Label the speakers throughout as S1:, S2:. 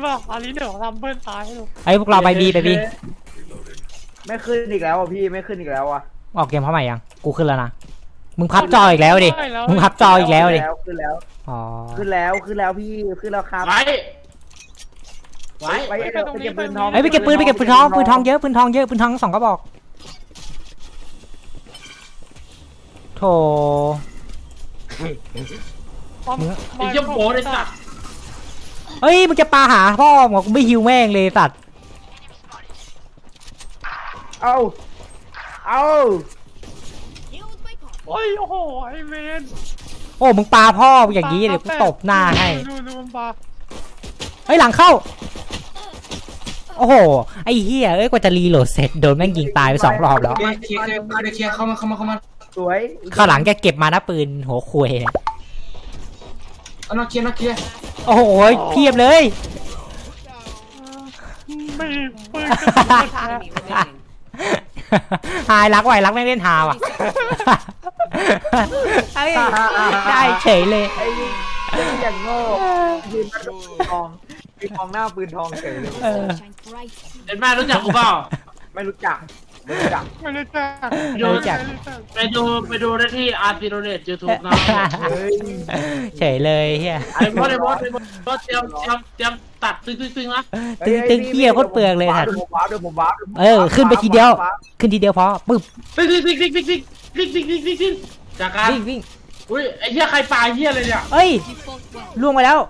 S1: ป่ะอันนี้เดี๋ยวทำเพื่อนตายให้ดู
S2: ไอ้พวกเราไปบีไปบี
S3: ไม่ขึ้นอีกแล้วอ่ะพี่ไม่ขึ้นอีกแล้วอ่ะ
S2: ออกเกมเพราะใหม่ยังกูขึ้นแล้วนะมึงพับจออีกแล้วดิมึงพับจออีกแล้วดิ
S3: ขึ้นแล้ว
S2: อ๋อ
S3: ขึ้นแล้วพี่ขึ้นแล้วครับไปเก็บปืนทอง
S2: ไปเก็บปืนทองเยอะปืนทอง2กระบอกโถ
S1: ไอ้ยัมโบ้เลยสัตว์
S2: เฮ้ยมึงจะปาหาพ่อบอกกูไม่ฮิวแม่งเลยสัตว์
S3: เอา
S1: โอ้ยโอ้โหไอ้เมน
S2: โอ้มึงปาพ่ออย่างนี้เดี๋ยวกูตบหน้าให้
S1: ดูมันปา
S2: เฮ้ยหลังเข้าโอ้โหไอ้เหี้ยเอ้ยกว่าจะรีโหลดเสร็จโดนแม่งยิงตายไป2 รอบแล้ว
S4: เคลียร์เข้ามา
S3: สวย
S2: ข้างหลังแกเก็บมานะปืนหัวคุย
S4: นอกเคลียร์
S2: โอ้โหเพียบเลย
S1: ไม่ปืน
S2: หายรักไม่เล่นหาว่ะได้เฉยเลย
S3: ไอ้อย่างโง่ยืนมาดูทองมีทองหน้าปืนทองเฉยเลย
S1: เห็นแม่รู้จักกูเปล่า
S3: ไม่รู้จัก
S1: ไปดูได้ที่อาร์ติโรเนตยูทูบนะ
S2: เฉยเลยเฮีย
S1: ไอ้บอสเตรียมตัดตึงนะ
S2: ตึงเฮียโคตรเปลืองเลยค่ะ
S3: เดี๋ยวผมว้าว
S2: ขึ้นไปทีเดียวพอปึ๊บ
S1: วิ่งจากการ
S2: วิ่ง
S1: อุ้ยไอ้เหี้ยใครปาเหี้ยอะไรเนี่ย
S2: เอ้ยล่วงไปแล้ว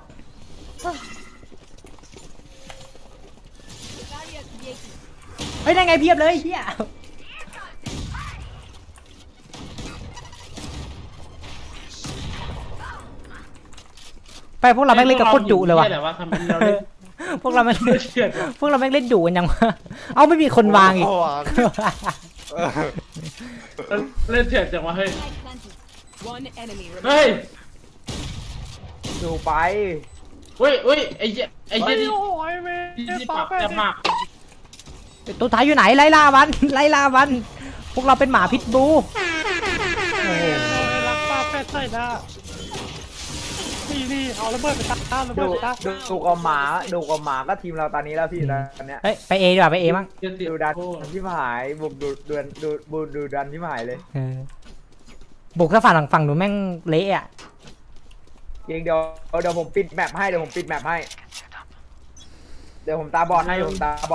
S2: เฮ้ยได้ไงเพียบเลยเฮียไปพวกเราแม่งเล่นกับโคตรดุเลยว่ะพวกเราแม่งเล่นดุกันยังวะเอาไม่มีคนวางอีก
S1: เล่นเถื่อนจังวะเฮ้ย
S3: ดูไป
S1: อุ้ยไอ้เหี้ยที่ปากแซ่บมาก
S2: ตัวท้ายอยู่ไหนไล่ล่ามันพวกเราเป็นหมาพิษบู
S1: โอ้โหรักป้าแฟดใส่หน้านี่เอาระเบิดไปตาม
S3: ดูกับหมาก็ทีมเราตอนนี้แล้วพี่ตอนเนี้ย
S2: เฮ้ยไปเอดีกว่าไปเอมั้ง
S3: ดูดันที่หายบุกดูดันที่หายเลย
S2: บุกถ้าฝั่งหนูแม่งเละอ่ะ
S3: เดี๋ยวผมปิดแมปให้เดี๋ยวผมตาบอดให้ไปตาบอ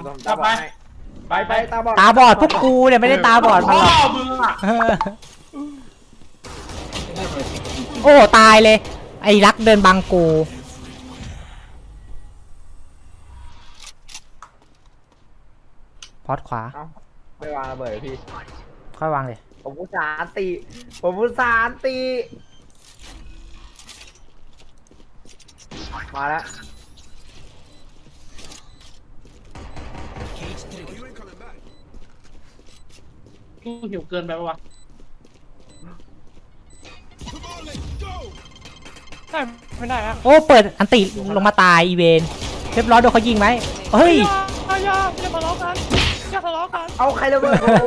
S3: ด
S2: พวกกูเนี่ยไม่ได้ตาบอดมาโอ้ตายเลยไอ้รักเดินบังกูพอดขวา
S3: ไม่วางระเบิดพี่
S2: ค่อยวางเลย
S3: ผมอุตส่าห์ตีมาแล้ว
S1: กูหิวเกินไปปะวะไม่ได้อะ
S2: โอ้เปิดอันติลงมาตายอีเวนเรียบร้อยโดนเขายิงไหมเฮ้ย
S1: อย่าทะเลาะกัน
S3: เอาใครระเบิดผม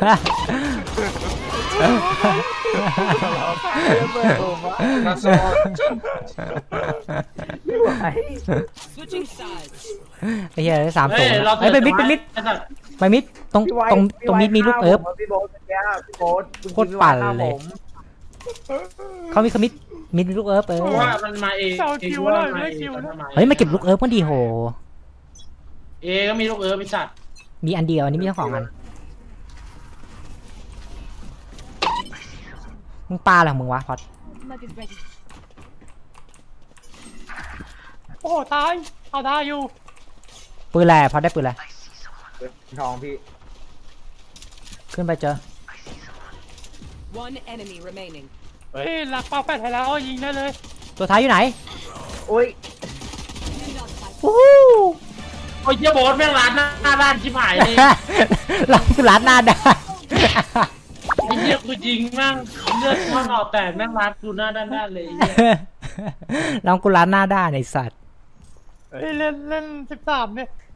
S2: ไอ้เหี้ย3 ตัวไอ้ไปมิดตรงมิดมีลูกเอิร์ฟโคตรปั่นเลยเขามีมิดลูกเอิร์ฟ
S1: ว่ามันมาเอง
S2: เฮ้ยมาเก็บลูกเอิร์ฟมันดีโห
S1: ก็มีลูกเอิร์ฟไอ้สัตว์
S2: มีอันเดียวอันนี้มีทั้ง2 อันมึงปาอะไรของมึงวะพอด
S1: โอ้ตายเอาได้อยู่
S2: ปืนแหล่พอได้ปืนแหล่
S3: ทองพี่
S2: ขึ้นไปเจอ
S1: เฮ้ยหลักเป้าแปดให้แล้วยิงได้เลย
S2: ตัวท้ายอยู่ไหน
S3: โอ้ย
S1: โอ้ยเจ้าโบ๊ทแม่งร้านหน้าด้านชิบหายเลย
S2: เราคือร้านหน้าด้าน
S1: ไอ้เหี้ยกูยิงแม่งเลือดข้างออกแตกแม่งร้านกูหน้าด้านเลย
S2: เรากูร้านหน้าด้านไอ้สัตว์
S1: เฮ้ยเล่น13เนี่ย